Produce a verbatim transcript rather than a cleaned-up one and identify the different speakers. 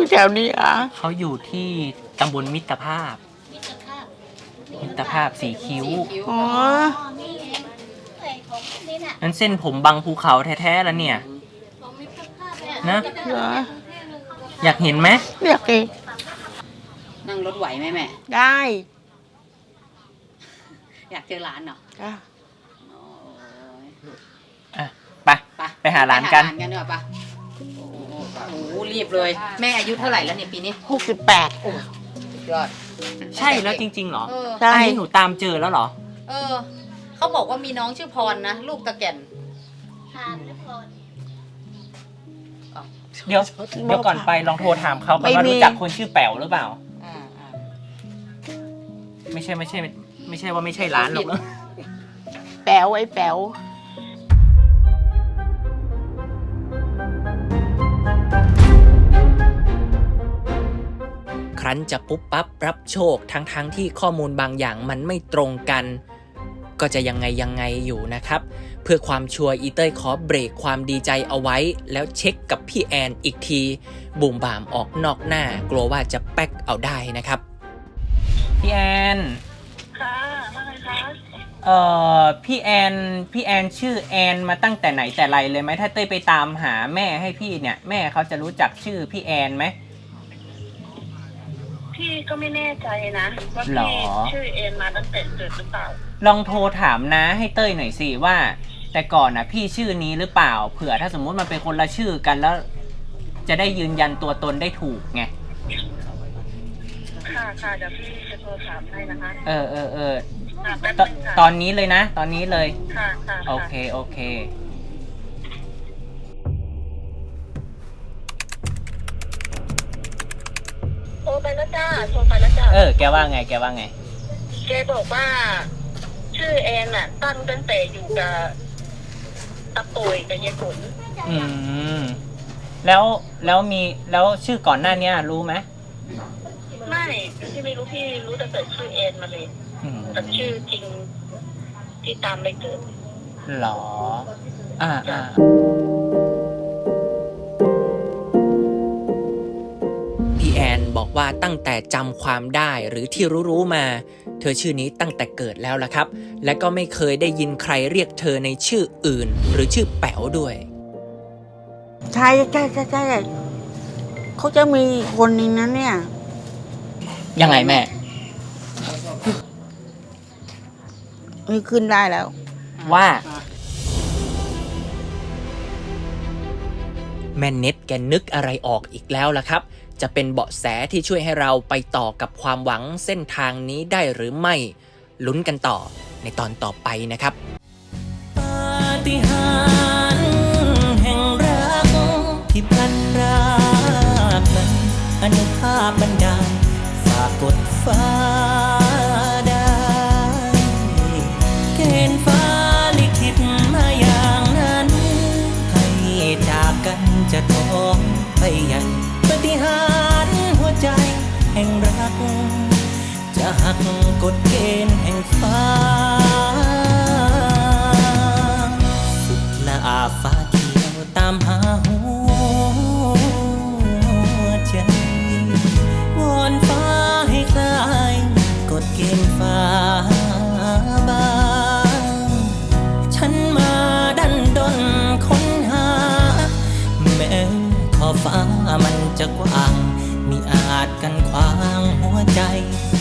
Speaker 1: แถวนี้อ่ะ
Speaker 2: เขาอยู่ที่ตำบลมิตรภาพมิตรภาพสีคิ้ว
Speaker 1: อ๋อ
Speaker 2: นั้นเส้นผมบังภูเขาแท้ๆแล้วเนี่ยนะอยากเห็นไหม
Speaker 1: อยากเห็น
Speaker 3: นั่งรถไหวไหมแม่
Speaker 1: ได้
Speaker 3: อยากเจอร้านเหรอ
Speaker 2: อ่ะไปไปหาร้านกัน
Speaker 3: ไปหาร้านกันดีกว่าปะโอ้โหรีบเลยแม่อายุเท่าไหร่แล้วเนี่ยปีนี้
Speaker 1: หกสิบแปด
Speaker 3: ยอด
Speaker 2: ใช่แล้วจริงๆเหรอ
Speaker 1: ใช่
Speaker 2: อันนี้หนูตามเจอแล้วเหรอ
Speaker 3: เออเขาบอกว่ามีน้องชื่อพรนะลูกตะแก่น
Speaker 2: เดี๋ยวเดี๋ยวก่อนไปลองโทรถามเขาก่อนว่ารู้จักคนชื่อแป๋วหรือเปล่าไม่ใช่ไม่ใช่ไม่ใช่ว่าไม่ใช่ร้านหรอกเนอะ
Speaker 1: แป๋วไอ้แป๋ว
Speaker 2: ครั้นจะปุ๊บปั๊บรับโชคทั้งๆ ท, ที่ข้อมูลบางอย่างมันไม่ตรงกันก็จะยังไงยังไงอยู่นะครับเพื่อความชัวร์อีเต้ยขอเบรกความดีใจเอาไว้แล้วเช็คกับพี่แอนอีกทีบุ่มบ่ามออกนอกหน้ากลัวว่าจะแป๊กเอาได้นะครับพี่แอน
Speaker 4: ค่ะว่าไงคะ
Speaker 2: เอ่อพี่แอนพี่แอนชื่อแอนมาตั้งแต่ไหนแต่ไรเลยไหมถ้าเต้ยไปตามหาแม่ให้พี่เนี่ยแม่เขาจะรู้จักชื่อพี่แอนไหม
Speaker 4: พี่ก็ไม่แน่ใจนะว่าพี่ชื่อเอ็นมาตั้งแต่เกิดหรือเปล่า
Speaker 2: ลองโทรถามนะให้เต้ยหน่อยสิว่าแต่ก่อนนะพี่ชื่อนี้หรือเปล่าเผื่อถ้าสมมุติมันเป็นคนละชื่อกันแล้วจะได้ยืนยันตัวตนได้ถูกไง
Speaker 4: ค่ะค่ะเดี๋ยวพี่จะโทรถามให้นะคะ
Speaker 2: เออเออเออต, ตอนนี้เลยนะตอนนี้เลย
Speaker 4: ค่ะค่ะ
Speaker 2: โอเคโอเค
Speaker 4: โทรไปแล้วจ้าโทรไปแล้วจ้า
Speaker 2: เออแกว่าไงแกว่าไง
Speaker 4: แกบอกว่าชื่อแอนน่ะตั้งตั้งแต่อยู่กับตะปุยกับยายฝน
Speaker 2: อืมแล้วแล้วมีแล้วชื่อก่อนหน้านี้รู้ไหม
Speaker 4: ไม่พี่ไม่รู้พี่รู้แต่เกิดชื่อแอนมาเลยแต่ชื่อจริงที่ตามไปเกิด
Speaker 2: หรออ่าอ่าพี่แอนบอกว่าตั้งแต่จำความได้หรือที่รู้ๆมาเธอชื่อนี้ตั้งแต่เกิดแล้วล่ะครับและก็ไม่เคยได้ยินใครเรียกเธอในชื่ออื่นหรือชื่อแป๋วด้วย
Speaker 1: ใช่ใช่ใช่ใช่เขาจะมีคนนึงนั้นเนี่ย
Speaker 2: ยังไงแม่
Speaker 1: ไม่ขึ้นได้แล้ว
Speaker 2: ว่าแม่เน็ตแกนึกอะไรออกอีกแล้วล่ะครับจะเป็นเบาะแสที่ช่วยให้เราไปต่อกับความหวังเส้นทางนี้ได้หรือไม่ลุ้นกันต่อในตอนต่อไปนะครับปาฏิหาริย์แห่งรักที่พลันรากนั้นอนุภาพบันดาลฝากกดฟ้าได้เกณฑ์ฟ้าลิขิตมาอย่างนั้นให้จากกันจะท้องไปยังปาฏิหาริย์หัวใจแห่งรักจะหักกฎเกณฑ์แห่งฟ้าสุดละอาฟ้าเขียวตามหาหัวใจวอนฟ้าให้คลายกฎเกณฑ์ฟ้าบางฉันมาดันดนค้นหาแม้ขอบฟ้ามันจะกว้างมิอาจกันขวางหัวใจ